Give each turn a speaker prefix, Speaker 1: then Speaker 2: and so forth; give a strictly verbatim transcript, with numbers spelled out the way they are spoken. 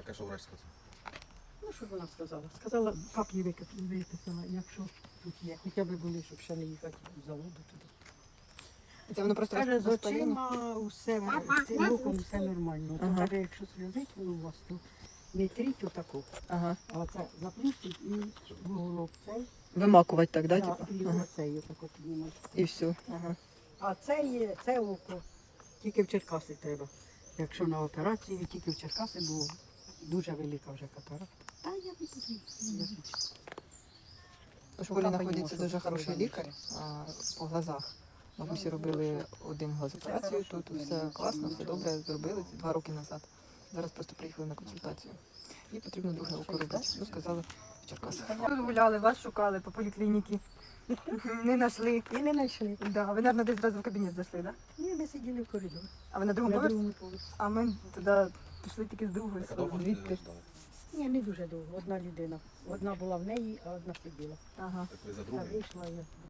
Speaker 1: таке, що врач сказав?
Speaker 2: Ну, що ж вона сказала? Сказала, каплі викип- виписала, якщо тут є. Хоча б були, щоб ще не їхати в заводу туди.
Speaker 3: Це воно просто
Speaker 2: Каже, з
Speaker 3: розпаління?
Speaker 2: очима усе, з цим оком все нормально. То
Speaker 3: Ага.
Speaker 2: каже, якщо сльозить воно у вас, то не тріть отаку.
Speaker 3: Ага.
Speaker 2: А це заплющить і вуголок цей.
Speaker 3: Вимакувати так, да?
Speaker 2: Да,
Speaker 3: Типу?
Speaker 2: і
Speaker 3: Ага.
Speaker 2: оцей отако піднімати.
Speaker 3: І все. Ага.
Speaker 2: А це є, це око тільки в Черкаси треба. Якщо на операцію, тільки в Черкаси, бо дуже велика вже катаракта. Та я не буду.
Speaker 3: У школі знаходиться дуже хороший лікар а, по глазах. Бабусі робили один глаз операцію, тут все класно, все добре зробили це два роки назад. Зараз просто приїхали на консультацію. І потрібно друге око робити. Ну, сказали в Черкасах. Тут гуляли, вас шукали по поліклініці. Не знайшли.
Speaker 2: І не знайшли.
Speaker 3: Да, ви, мабуть, десь зразу в кабінет зайшли, так? Да?
Speaker 2: Ні, ми сиділи в коридорі.
Speaker 3: А ви на другому
Speaker 2: На
Speaker 3: поверсі?
Speaker 2: другому поверсі.
Speaker 3: А ми туди пішли тільки з другої
Speaker 1: Так довго
Speaker 3: сторони.
Speaker 1: ти
Speaker 3: Звідти.
Speaker 1: ждали?
Speaker 2: Ні, не дуже довго. Одна людина. Одна була в неї, а одна сиділа.
Speaker 3: Ага.
Speaker 1: Так ви за
Speaker 2: Та
Speaker 1: другою?
Speaker 2: вийшла я.